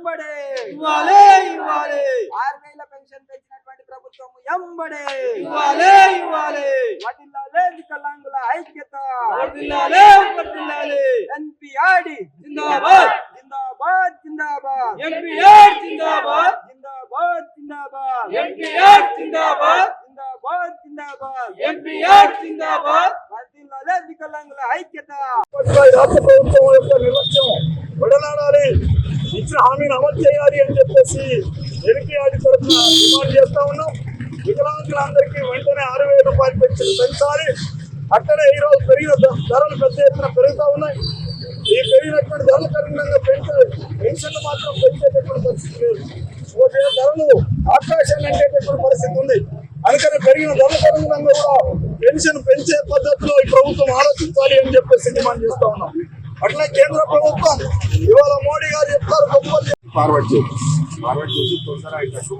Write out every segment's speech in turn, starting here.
ఎంబడే ఇవ్వాలే ఇవ్వాలే 6000 పెన్షన్ పెంచినటువంటి ప్రభుత్వం ఎంబడే ఇవ్వాలే ఇవ్వాలే వదిలాలే వికలాంగుల ఐక్యత వర్ధిల్లాలే వర్ధిల్లాలే ఎన్పిఆర్డి జిందాబాద్ జిందాబాద్ జిందాబాద్ ఎంపీఆర్ జిందాబాద్ జిందాబాద్ జిందాబాద్ ఎంపీఆర్ జిందాబాద్ జిందాబాద్ జిందాబాద్ ఎంపీఆర్ జిందాబాద్ వదిలాలే వికలాంగుల ఐక్యత రాష్ట్ర ప్రభుత్వం యొక్క నిర్లక్ష్యం విడనాడాలి, ఇచ్చిన హామీని అమలు చేయాలి అని చెప్పేసి ఎన్పీఆర్డి తరఫున డిమాండ్ చేస్తా ఉన్నాం. వికలాంగులందరికీ వెంటనే 6000 రూపాయలు పెంచాలి. అక్కడే ఈ రోజు పెరిగిన ధరలు పెద్ద ఎత్తున పెరుగుతూ ఉన్నాయి. ఈ పెరిగినటువంటి ధరలకు అనుగుణంగా పెన్షన్లు మాత్రం పెంచేటటువంటి పరిస్థితి లేదు. ధరలు ఆకాశాన్ని అంటేటటువంటి పరిస్థితి ఉంది. అందుకని పెరిగిన ధరలకు అనుగుణంగా కూడా పెన్షన్ పెంచే పద్ధతిలో ఈ ప్రభుత్వం ఆలోచించాలి అని చెప్పేసి డిమాండ్ చేస్తా ఉన్నాం. అట్లే కేంద్ర ప్రభుత్వం ఇవాళ మోడీ గారు చెప్తారు గొప్పలు ఫార్వర్డ్ చేసి తొందర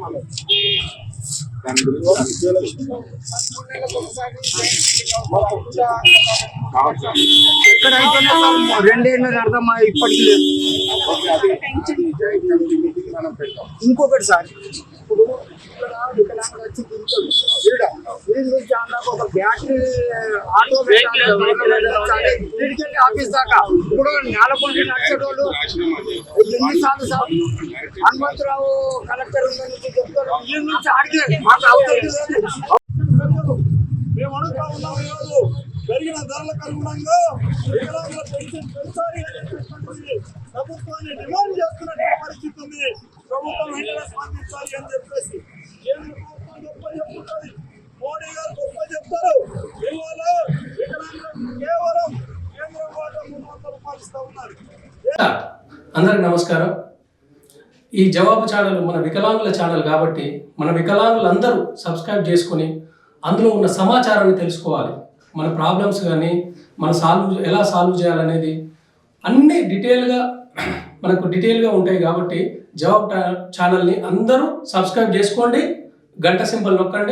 ఎక్కడైతేనే రెండేళ్ళు అర్థమా ఇప్పటికీ లేదు. ఇంకొకటి సార్, ఇప్పుడు ఇక్కడ వికలాంగులు వచ్చి తింటారు. వీడి నుంచి అన్నాక ఒక బ్యాటరీ ఆటో వీడికెళ్ళి ఆఫీస్ దాకా ఇప్పుడు నేలకొండ నడిచేటోళ్ళు ఎన్నిసార్లు సార్ హనుమంతరావు కలెక్టర్ నుంచి చెప్తారు. వీళ్ళ నుంచి ఆడితే మాకు అవుతుంది లేదు. మేము అడుగుతా ఉన్నాం, ఈరోజు పెరిగిన ధరలకు అనుగుణంగా వికలాంగుల పెన్షన్ పెంచాలి అనేటటువంటి ప్రభుత్వాన్ని డిమాండ్ చేస్తున్నటువంటి పరిస్థితి ఉంది. ప్రభుత్వం వెంటనే స్పందించాలి అని చెప్పేసి కేంద్ర ప్రభుత్వం గొప్ప చెప్తుంది, మోడీ గారు గొప్ప చెప్తారు. ఇవాళ వికలాంగులకు కేవలం కేంద్రం వాటా 300 రూపాయలు ఇస్తా ఉన్నారు. అందరికి నమస్కారం. ఈ జవాబు ఛానల్ మన వికలాంగుల ఛానల్ కాబట్టి మన వికలాంగులందరూ సబ్స్క్రైబ్ చేసుకొని అందులో ఉన్న సమాచారాన్ని తెలుసుకోవాలి. మన ప్రాబ్లమ్స్ కానీ మన ఎలా సాల్వ్ చేయాలనేది అన్నీ డీటెయిల్గా ఉంటాయి. కాబట్టి జవాబు ఛానల్ని అందరూ సబ్స్క్రైబ్ చేసుకోండి, గంట సింబల్ నొక్కండి.